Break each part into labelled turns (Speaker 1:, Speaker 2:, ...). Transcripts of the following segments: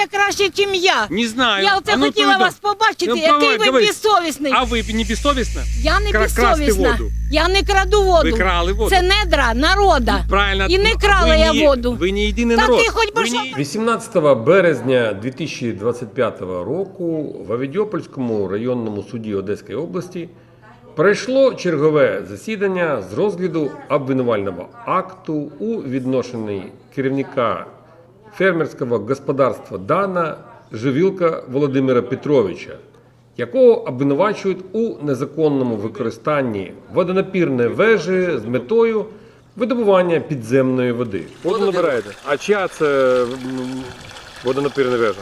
Speaker 1: знаєте краще, ніж я.
Speaker 2: Не знаю.
Speaker 1: Я оце хотіла вас побачити, який ви безсовісний.
Speaker 2: А ви не безсовісна?
Speaker 1: Я не
Speaker 2: Красти
Speaker 1: безсовісна.
Speaker 2: воду.
Speaker 1: Я не краду воду.
Speaker 2: Ви крали воду.
Speaker 1: Це недра народа.
Speaker 2: Правильно.
Speaker 1: І не крала я воду.
Speaker 2: Ви не єдиний
Speaker 1: Та
Speaker 2: народ.
Speaker 1: ти хоч би
Speaker 2: Ви
Speaker 1: що...
Speaker 2: не-
Speaker 3: 18 березня 2025 року в Авідіопольському районному суді Одеської області пройшло чергове засідання з розгляду обвинувального акту у відношенні керівника фермерського господарства Дана Живілка Володимира Петровича, якого обвинувачують у незаконному використанні водонапірної вежі з метою видобування підземної води. Воду набираєте. А чия це водонапірна вежа?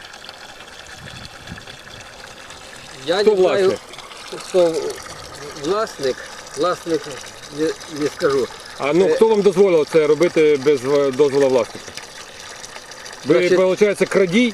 Speaker 4: Я
Speaker 3: Хто
Speaker 4: не знаю,
Speaker 3: власник?
Speaker 4: хто власник не скажу.
Speaker 3: А ну хто вам дозволив це робити без дозволу власника? Ви,
Speaker 4: Значить-
Speaker 3: виходить, крадій?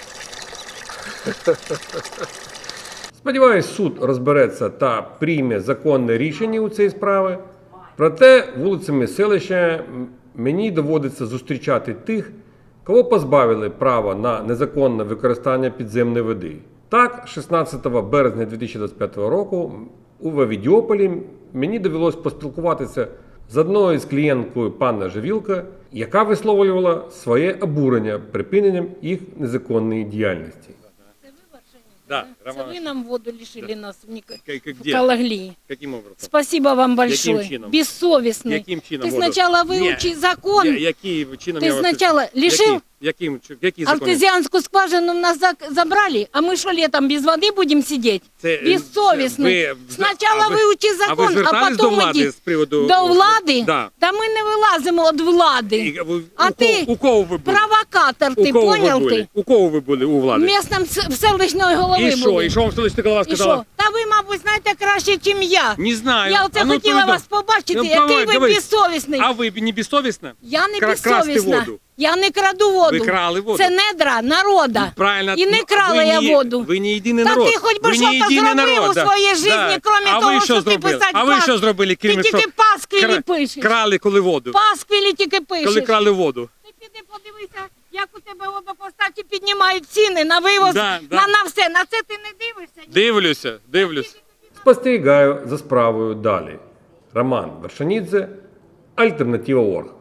Speaker 3: Сподіваюсь, суд розбереться та прийме законне рішення у цій справі. Проте вулицями селища мені доводиться зустрічати тих, кого позбавили права на незаконне використання підземної води. Так, 16 березня 2025 року у Авідіополі мені довелось поспілкуватися з одною з клієнткою пана Живілка, яка висловлювала своє обурення припиненням їх незаконної діяльності.
Speaker 2: Да,
Speaker 1: Це
Speaker 2: Роман.
Speaker 1: ви нам воду лишили нас в
Speaker 2: Где?
Speaker 1: Калаглии.
Speaker 2: Каким образом?
Speaker 1: Спасибо вам большое.
Speaker 2: Яким чином?
Speaker 1: Бессовестный.
Speaker 2: Яким чином
Speaker 1: Ты
Speaker 2: воду?
Speaker 1: сначала выучи закон.
Speaker 2: Які чином
Speaker 1: Ты
Speaker 2: я вас-
Speaker 1: сначала лишил
Speaker 2: Який закон?
Speaker 1: артезианскую скважину у нас забрали, а мы что, летом без воды будем сидеть?
Speaker 2: Це,
Speaker 1: Бессовестный.
Speaker 2: ви-
Speaker 1: Сначала
Speaker 2: а ви-
Speaker 1: выучи
Speaker 2: А ви
Speaker 1: закон, а
Speaker 2: звертались до
Speaker 1: потом
Speaker 2: влади
Speaker 1: иди.
Speaker 2: з приводу...
Speaker 1: До влади?
Speaker 2: Да.
Speaker 1: Та ми не вилазимо від влади.
Speaker 2: І ви-
Speaker 1: А
Speaker 2: у
Speaker 1: ти
Speaker 2: кого- у кого ви були?
Speaker 1: Провокатор,
Speaker 2: У
Speaker 1: ти
Speaker 2: кого ви
Speaker 1: понял
Speaker 2: були?
Speaker 1: ти?
Speaker 2: У кого ви були у влади?
Speaker 1: Містом селищної голови
Speaker 2: І що?
Speaker 1: були.
Speaker 2: І що вам селищна голова
Speaker 1: І
Speaker 2: сказала?
Speaker 1: що? Та ви, мабуть, знаєте краще, ніж я.
Speaker 2: Не знаю.
Speaker 1: Я оце
Speaker 2: А ну,
Speaker 1: хотіла
Speaker 2: повідом-
Speaker 1: вас побачити,
Speaker 2: Ну,
Speaker 1: який ви
Speaker 2: говоріть.
Speaker 1: безсовісний.
Speaker 2: А ви не безсовісна?
Speaker 1: Я не
Speaker 2: красти
Speaker 1: безсовісна.
Speaker 2: воду.
Speaker 1: Я не краду воду.
Speaker 2: Ви крали воду.
Speaker 1: Це недра народа.
Speaker 2: Правильно.
Speaker 1: І не
Speaker 2: Ну,
Speaker 1: крала
Speaker 2: ви
Speaker 1: я
Speaker 2: не-
Speaker 1: воду.
Speaker 2: Ви не єдиний
Speaker 1: Та
Speaker 2: народ.
Speaker 1: ти хоч би
Speaker 2: Ви
Speaker 1: що
Speaker 2: не
Speaker 1: то
Speaker 2: єдиний
Speaker 1: зробив
Speaker 2: народ,
Speaker 1: у своїй житті, крім
Speaker 2: А
Speaker 1: того,
Speaker 2: ви
Speaker 1: що ти
Speaker 2: зробили?
Speaker 1: писать
Speaker 2: А ви
Speaker 1: пас-
Speaker 2: що зробили,
Speaker 1: Ти
Speaker 2: крім
Speaker 1: тільки пасквілі пишеш.
Speaker 2: крали коли воду?
Speaker 1: Пасквілі тільки пишеш.
Speaker 2: Коли крали воду?
Speaker 1: Ти піди подивися, як у тебе водопостачі піднімають ціни на вивоз,
Speaker 2: Да, да.
Speaker 1: на все. На це ти не дивишся?
Speaker 2: Дивлюся.
Speaker 3: Спостерігаю за справою далі. Роман Вершанідзе, Альтернатива.орг.